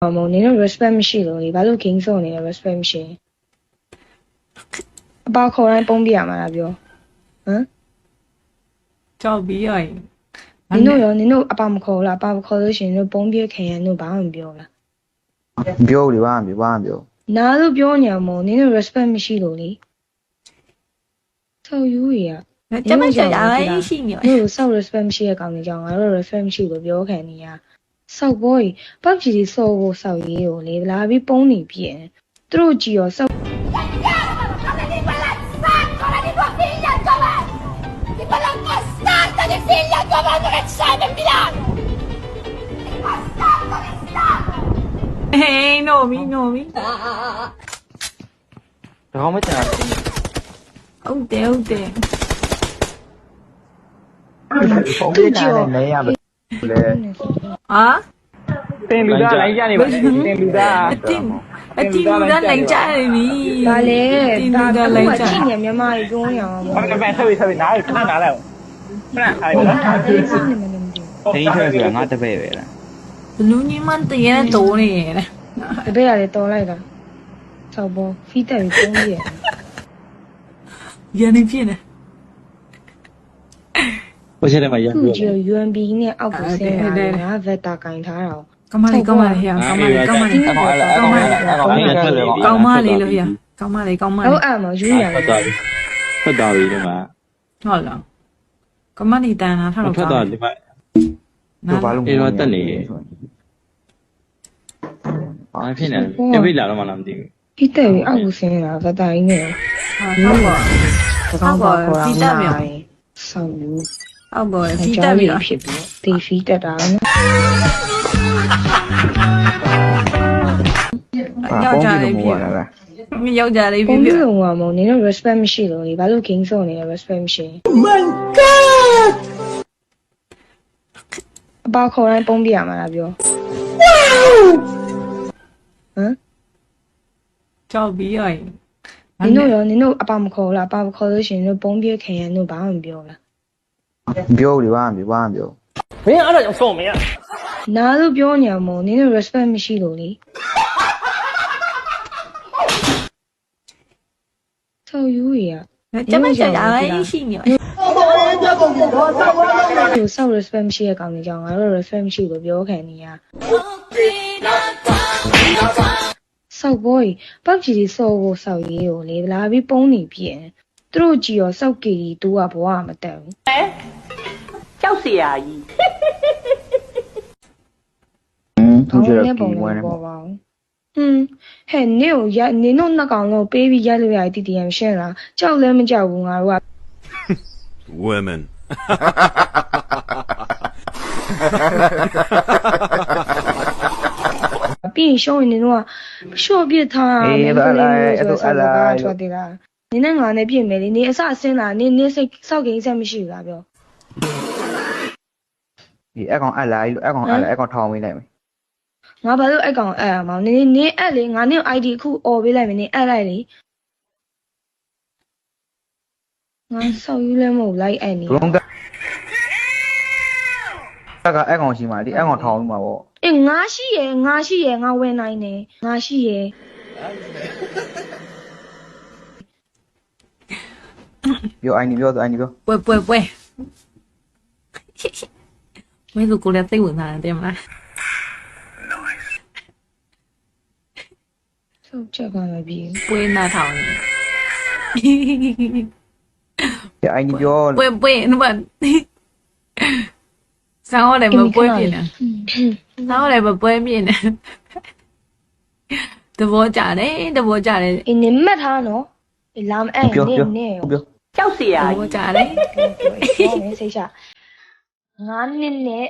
မနင်တို့ respect မရှိလို့လေဘာလို့ game စောနေလဲ respect မရှိအပါခေါ်တိုင်းပုံးပြရမှာလားပြောဟမ်ကြောက်ပြီးရရင်နင်တို့အပါမခေါ်လားအပါမခေါ်လို့ရှိရင်တို့ပုံးပြခင်ရန်တို့ဘာမှမပြောလားပြောလေဘာမှပြောနားလို့ပြောညာမို့နင်တို့ respect မရှိလို့လေဆောက်ယူရကျမကြောက်ရရှိနေနင်တို့ဆောက် respect မရှိတဲ့ကောင်တွေကြောင့်ငါတို့ respect မရှိလို့ပြောခံနေရဆောက်ဘောကြီးပောက်ကြီးစောဖို့ဆောက်ရေးကိုလေလာပြီးပုံးနေပြည့်သူတို့ကြည်ရောဆောက်ဟေးနိုမီဒါကောင်းမချင်ဟုတ်တယ်ပုံပြထားတဲ့နေရပဲလေတင်လူသားလိုက်ကြနေပါတင်လူသားအတင်းလူသားလိုက်ကြနေပြီဒါလေဒါကလည်းကြည့်နေမြန်မာကြီးပြောနေအောင်ဟုတ်တယ်ပဲဆက်ပြီးနားခဏနားလိုက်ခဏအားရလားတင်းထွက်ဆိုတာငါတပည့်ပဲလားဘလူးကြီးမတရေနဲ့တိုးနေရတဲ့တပည့်ရတယ်တော်လိုက်တာဆောက်ဘောဖီးတက်ပြီးပုံးရရန်နေပြင်းနေဘယ်ချက်ထဲမှာရန်ပြီးတော့ UMB နဲ့အောက်ကိုဆင်းလာတာဗက်တာကင်ထားတာကောင်းမလေးဟဲ့ကောင်းမလေးလို့ဟဲ့ကောင်းမလေးဟုတ်အဲ့မှာယူရတယ်ထွက်သွားပြီဒီမှာဟုတ်လားကောင်းမလေးတန်တာထားတော့ထွက်သွားဒီမှာတို့ဘာလို့အဲ့တော့တက်နေရဘာဖြစ်နေလဲပြိလာတော့မှလားမသိဘူးပြီးတက်ပြီးအောက်ကိုဆင်းလာဗက်တာကြီးနဲ့ဟုတ်ပါပြီးတက်ပြီဆောက်ယူအောက်ပေါ်ဖီးတက်ပြီဖြစ်ပြီးဒီဖီးတက်တာနော်ယောက်ျားလေးဖြစ်ယောက်ျားလေးဖြစ်ပြီးတော့မနင်တို့ respect မရှိလို့လေဘာလို့ game စောနေလဲ respect မရှိ My god အပါခေါ်တိုင်းပုံးပြရမှာလားပြောဟမ်ကြောက်ပြီးရရင်နင်တို့အပါမခေါ်လားအပါမခေါ်လို့ရှိရင်တို့ပုံးပြခင်ရန်တို့ဘာမှမပြောလားပြောလေဘာမှပြောမင်းအဲ့ဒါကြောင့်ဆုံးမရနားလို့ပြောညာမို့နင်တို့ respect မရှိလို့လေဆောက်ယူရကျမကြောက်ရရှိနေသူဆောက် respect မရှိတဲ့ကောင်တွေကြောင့်ငါတို့ respect မရှိလို့ပြောခံနေရဆောက်ဘောကြီးပောက်ကြီးစောဖို့ဆောက်ရေးကိုလေလာပြီးပုံးနေပြည့်သူတို့ကြည်ရောဆောက်ကြည်တူကဘဝမတက်ဘူးကြောက်เสียကြီးသူကျတော့ပုံပေါ်ပါဘူးဟဲ့နင်တို့နှစ်ကောင်လုံးပေးပြီးရိုက်လို့ရတီတီယမ်ရှင်းလားကြောက်လည်းမကြောက်ဘူးငါတို့က women ပြီးရှုံးရင်နင်တို့ကရှော့ပြစ်ထားမယ်ဆိုတော့ဆောက်ကထွက်သေးတာနင်နဲ့ငါနဲ့ပြင်မယ်လေနင်အစအစင်းလာနင်စိတ်စောက်ကိန်းဆက်မရှိဘူးလားပြောဒီအကောင်အလိုက်လို့အကောင်ထောင်းပေးလိုက်မယ်ငါဘာလို့အကောင်အရမှာနင်အက်လေငါနင် ID အခုអော်ပေးလိုက်မယ်နင်အက်လိုက်လေငါဆောက်ယူလဲမဟုတ်လိုက်အက်နေဘလုံးကအကောင်ရှိမှဒီအကောင်ထောင်းပြီးမှာပေါ့အေးငါရှိရယ်ငါဝင်နိုင်တယ်ငါရှိရယ်ပြောအိုင်နီပြောပွဲမင်းတို့ကိုလည်းသိဝင်လာတယ်မလားဆောက်ချက်ပါမပြီပွဲနာထောင်နေအိုင်နီပြောပွဲနမဆောင်းရတယ်မပွဲပြင်းနေဆောင်းရတယ်မပွဲပြင်းနေတဘောကြတယ်အင်းနင်မှတ်ထားနော်လာမအဲ့နင်ကြောက်เสียကြီးကြတယ်စိတ်ချငါနင်းနဲ့